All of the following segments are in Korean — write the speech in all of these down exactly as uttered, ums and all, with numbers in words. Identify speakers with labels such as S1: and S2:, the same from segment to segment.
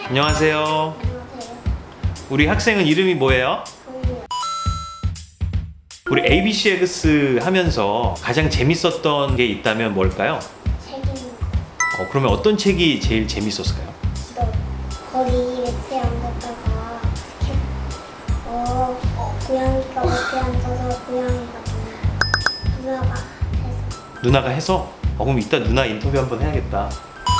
S1: 안녕하세요.
S2: 안녕하세요.
S1: 우리 학생은 이름이 뭐예요?
S2: 저희요.
S1: 우리 에이비씨 에그스 하면서 가장 재밌었던 게 있다면 뭘까요?
S2: 책임.
S1: 어, 그러면 어떤 책이 제일 재밌었을까요?
S2: 너 거리 매트에 앉았다가 이렇게 어, 어 고양이가 매트에 앉아서 고양이가 누나가 해서
S1: 누나가 해서? 어, 그럼 이따 누나 인터뷰 한번 해야겠다.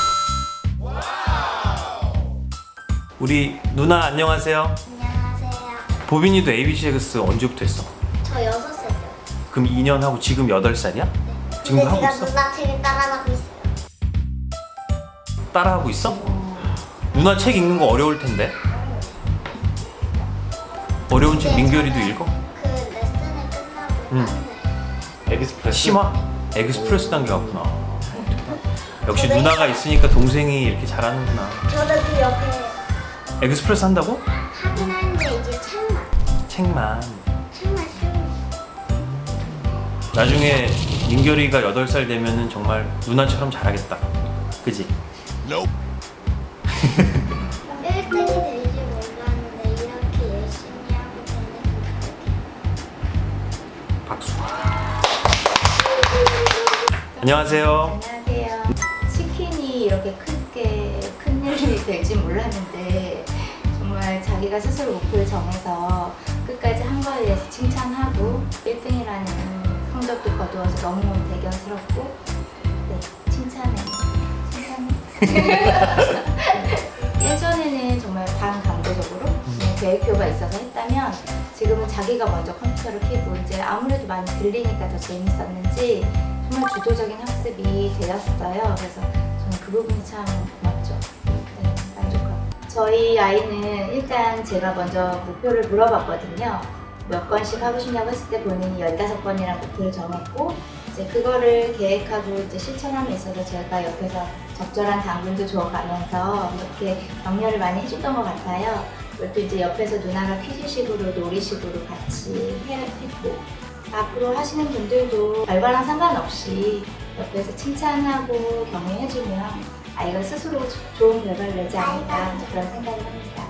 S1: 우리 누나 안녕하세요.
S2: 안녕하세요.
S1: 보빈이도 에이비씨 에그스 언제부터 했어?
S2: 저 여섯 살 때요.
S1: 그럼 이 년 하고 지금 여덟 살이야?
S2: 네.
S1: 지금도
S2: 근데
S1: 하고
S2: 제가
S1: 있어?
S2: 누나 책을 따라가고 있어요.
S1: 따라하고 있어? 누나 책 읽는 거 어려울 텐데. 어려운 책
S2: 근데
S1: 민결이도
S2: 저는
S1: 읽어?
S2: 그 레슨을 끝나고
S1: 응.
S2: 하는
S1: 에그스프레스? 심화? 에그스프레스 단계 갔구나. 역시
S2: 네.
S1: 누나가 있으니까 동생이 이렇게 잘하는구나.
S2: 저도 그 옆에
S1: 에그스프레스 한다고?
S2: 하긴 하는데 이제 책만
S1: 책만.
S2: 책만 쓰고
S1: 나중에 민결이가 여덟 살 되면은 정말 누나처럼 잘하겠다. 그지?
S2: 일 등이 될지 몰랐는데 이렇게 열심히 하고 있는데
S1: 박수. 안녕하세요.
S3: 안녕하세요. 치킨이 이렇게 크게 큰 일이 될지 몰랐는데 정말 자기가 스스로 목표를 정해서 끝까지 한 거에 대해서 칭찬하고 일 등이라는 성적도 거두어서 너무 대견스럽고 네, 칭찬해. 칭찬해. 예전에는 정말 반강제적으로 그냥 계획표가 있어서 했다면 지금은 자기가 먼저 컴퓨터를 켜고 이제 아무래도 많이 들리니까 더 재밌었는지 정말 주도적인 학습이 되었어요. 그래서 저는 그 부분이 참 고맙죠. 네, 만족하고. 저희 아이는 일단 제가 먼저 목표를 물어봤거든요. 몇 번씩 하고 싶냐고 했을 때 본인이 열다섯 번이라는 목표를 정했고 이제 그거를 계획하고 이제 실천함에 있어서 제가 옆에서 적절한 당근도 줘가면서 이렇게 격려를 많이 해줬던 것 같아요. 그것도 이제 옆에서 누나가 퀴즈식으로 놀이식으로 같이 해- 했고 앞으로 하시는 분들도 결과랑 상관없이 옆에서 칭찬하고 격려해주면 아이가 스스로 좋은 결과를 내지 않을까 그런 생각을 합니다.